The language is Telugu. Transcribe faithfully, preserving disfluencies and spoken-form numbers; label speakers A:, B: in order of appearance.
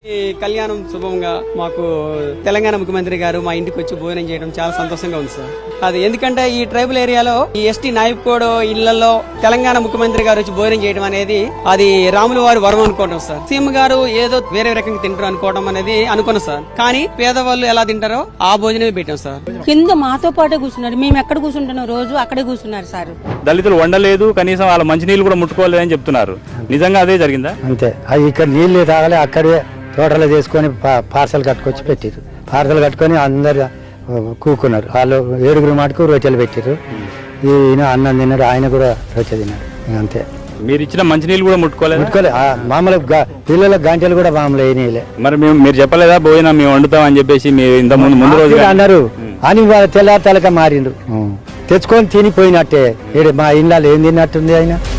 A: ఈ కళ్యాణం శుభంగా మాకు తెలంగాణ ముఖ్యమంత్రి గారు మా ఇంటికి వచ్చి భోజనం చేయడం చాలా సంతోషంగా ఉంది సార్. అది ఎందుకంటే ఈ ట్రైబల్ ఏరియాలో ఈ ఎస్టీ నాయకోడ్ ఇళ్లలో తెలంగాణ ముఖ్యమంత్రి గారు వచ్చి భోజనం చేయడం అనేది అది రాముల వారి వరం అనుకోవడం సార్. సీఎం గారు ఏదో వేరే రకంగా తింటారు అనుకోవడం అనేది అనుకున్నాం సార్. కానీ పేదవాళ్ళు ఎలా తింటారో ఆ భోజనమే పెట్టాం సార్.
B: కింద మాతో పాటే కూర్చున్నారు, మేము ఎక్కడ కూర్చుంటున్నాం రోజు అక్కడే కూర్చున్నారు సార్.
C: దళితులు వండలేదు, కనీసం వాళ్ళ మంచినీళ్ళు కూడా ముట్టుకోలేదని చెప్తున్నారు. నిజంగా అదే జరిగిందా?
D: అంతే. అది ఇక్కడ నీళ్లు తాగలే, అక్కడే తోటలో చేసుకొని పార్సల్ కట్టుకొచ్చి పెట్టారు. పార్సల్ కట్టుకొని అందరు కూకున్నారు. వాళ్ళు ఏడుగురు మాటకు రొట్టెలు పెట్టారు. ఈయన అన్నం తిన్నారు, ఆయన కూడా రొట్టె తిన్నారు. అంతే.
C: మీరు ఇచ్చిన మంచినీళ్ళు కూడా ముట్టుకోలేదు?
D: ముట్టుకోలే. మామూలు పిల్లల గంటలు కూడా మామూలు అయినాయిలే.
C: మరి మేము మీరు చెప్పలేదా భోజనం మేము వండుతాం అని చెప్పేసి? మీరు ఇంత ముందు ముందు రోజు
D: అన్నారు అని తెల్లారి తలక మారిండు. తెచ్చుకొని తినిపోయినట్టే. మా ఇళ్ళలో ఏం తిన్నట్టుంది ఆయన.